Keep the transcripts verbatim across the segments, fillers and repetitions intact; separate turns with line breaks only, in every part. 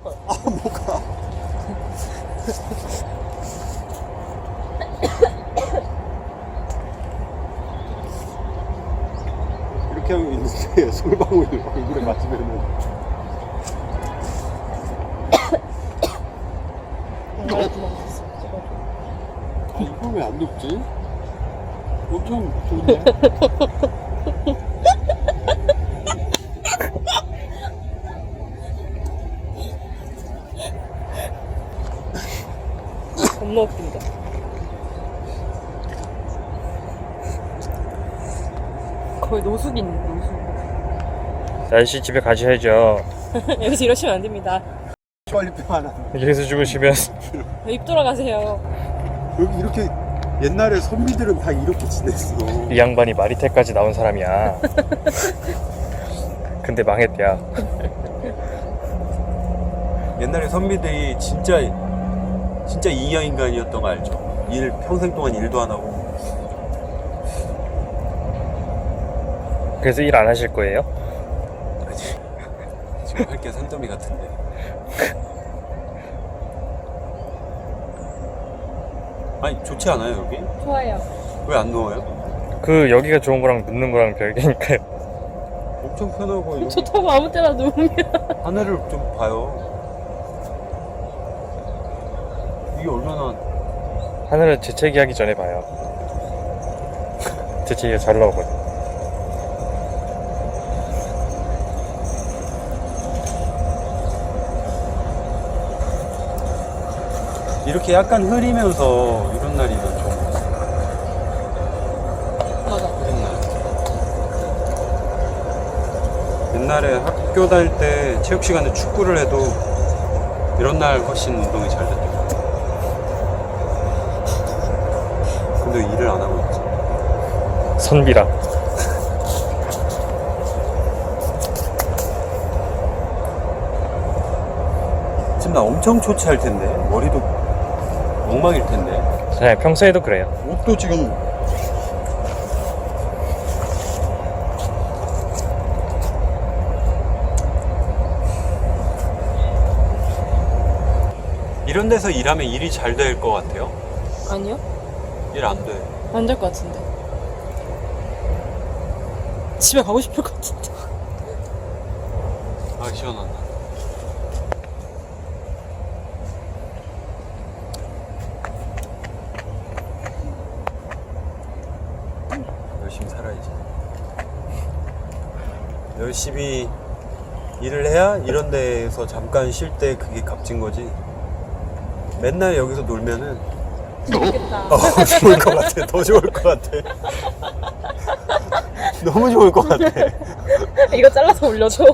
싶어요.
아 뭐가? 이렇게 하고 있는데 솔방울이 얼굴에 맞으면은
정말 고마웠어.
아, 이거 왜 안 높지? 엄청 좋네.
겁나 웃긴다. 거의 노숙인 노숙.
날씨 집에 가셔야죠.
여기서 이러시면 안 됩니다.
빨리뼈 하나.
여기서 주무시면
입 돌아가세요.
여기 이렇게 옛날에 선비들은 다 이렇게 지냈어.
이 양반이 마리텔까지 나온 사람이야. 근데 망했대야.
옛날에 선비들이 진짜 진짜 이하인간이었던 거 알죠? 일 평생 동안 일도 안 하고.
그래서 일 안 하실 거예요?
아직 지금 할 게 산더미 같은데. 아니 좋지 않아요 여기?
좋아요.
왜 안 누워요?
그 여기가 좋은 거랑 눕는 거랑 별개니까요.
엄청 편하고 여기
좋다고 아무 때나 누우면.
하늘을 좀 봐요. 이게 얼마나
하늘은 재채기 하기 전에 봐요. 재채기가 잘 나오거든.
이렇게 약간 흐리면서 이런 날이면 좋은 것 같아요.
맞아.
흐린 날. 옛날에 학교 다닐 때 체육 시간에 축구를 해도 이런 날 훨씬 운동이 잘 됐던 것 같아요. 근데 일을 안 하고 있지.
선비라.
지금 나 엄청 초췌할 텐데 머리도 엉망일 텐데.
네, 평소에도 그래요.
옷도 지금 이런 데서 일하면 일이 잘 될 것 같아요?
아니요?
일 안 돼.
안 될 것 같은데. 집에 가고 싶을 것 같은데.
아 시원하다. 열심히 살아야지. 열심히 일을 해야 이런 데에서 잠깐 쉴 때 그게 값진 거지. 맨날 여기서 놀면은
좋겠다.
어, 좋을 것 같아. 더 좋을 것 같아. 너무 좋을 것 같아.
이거 잘라서 올려줘.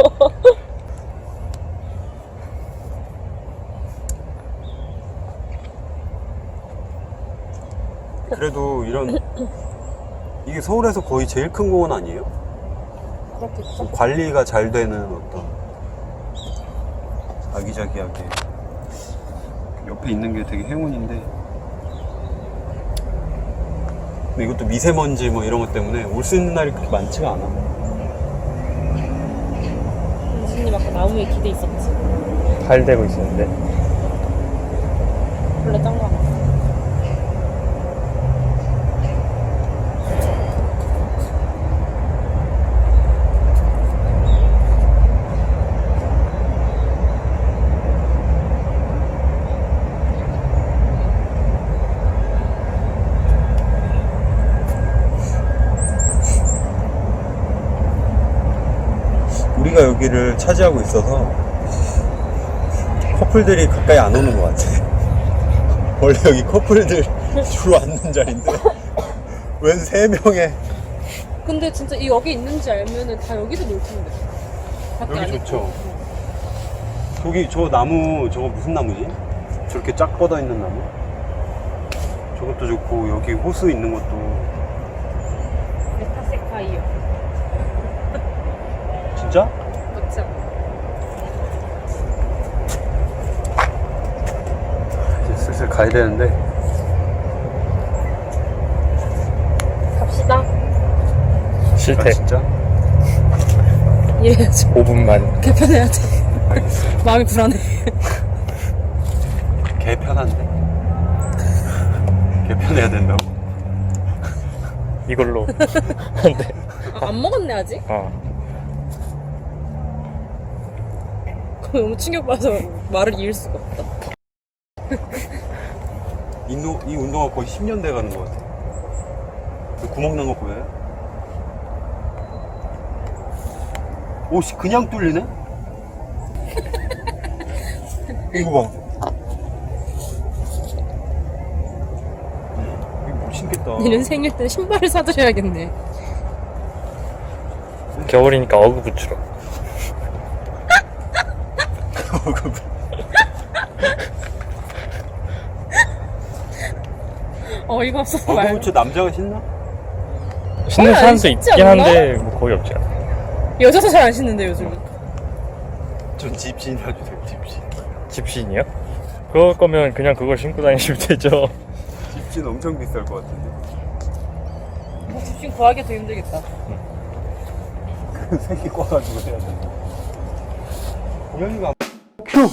그래도 이런 이게 서울에서 거의 제일 큰 공원 아니에요?
그렇겠죠?
관리가 잘 되는 어떤 아기자기하게 옆에 있는 게 되게 행운인데, 근데 이것도 미세먼지 뭐 이런 것 때문에 올 수 있는 날이 그렇게 많지가 않아.
은진님 아까 나무에 기대 있었지.
달 되고 있었는데.
원래 짠 거 같아.
우리가 여기를 차지하고 있어서 커플들이 가까이 안 오는 것 같아. 원래 여기 커플들 주로 앉는 자리인데 웬 세 명의.
근데 진짜 이 여기 있는지 알면은 다 여기서 놀 텐데. 밖에
여기
안
좋죠.
있고.
저기 저 나무 저거 무슨 나무지? 저렇게 쫙 뻗어 있는 나무? 저것도 좋고 여기 호수 있는 것도.
메타세카이어.
진짜?
그쵸?
이제 슬슬 가야 되는데.
갑시다.
아
실패.
진짜?
이래야죠.
오 분만.
개편해야 돼.
알겠어.
마음이 불안해.
개 편한데? 개 편해야 된다고?
이걸로. 네.
아, 안 먹었네 아직?
어.
그거 너무 충격받아서 말을 이을 수가 없다.
이, 노, 이 운동화 거의 십 년 돼 가는 것 같아. 그 구멍 난 거 보여요? 오씨, 그냥 뚫리네? 이거 봐. 이거 못 신겠다.
내년 생일 때 신발을 사드려야겠네.
겨울이니까 어그 부츠로.
어이가 없어서
어,
말.
그거 저 남자가 신나?
신는
안
사람도
신지
있긴
않나?
한데 뭐 거의 없지 않아.
여자도 잘 안 신는데 요즘.
전 집신 해주세요, 집신.
집신이요? 그럴 거면 그냥 그걸 신고 다니시면 되죠.
집신 엄청 비쌀 것 같은데.
뭐 집신 구하기가 더 힘들겠다.
그 색이 꽈가지고 해야 돼. 고양이가
큐!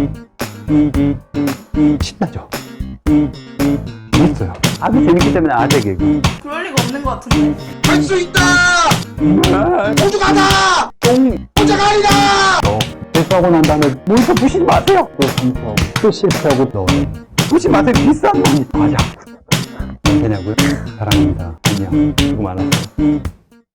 신나죠? 재밌어요. 아주 재밌기 때문에 아재 개그.
그럴 리가 없는 것 같은데.
할 수 있다! 모두 가자! 똥! 모자가 아니다! 너, 실수하고 난 다음에 모니터 부시지 마세요! 또 실수하고, 또 실수하고, 너. 부시지 마세요. 비싼 거. 가자. 되냐고요? 사랑합니다. 안녕. 수고 많았어요.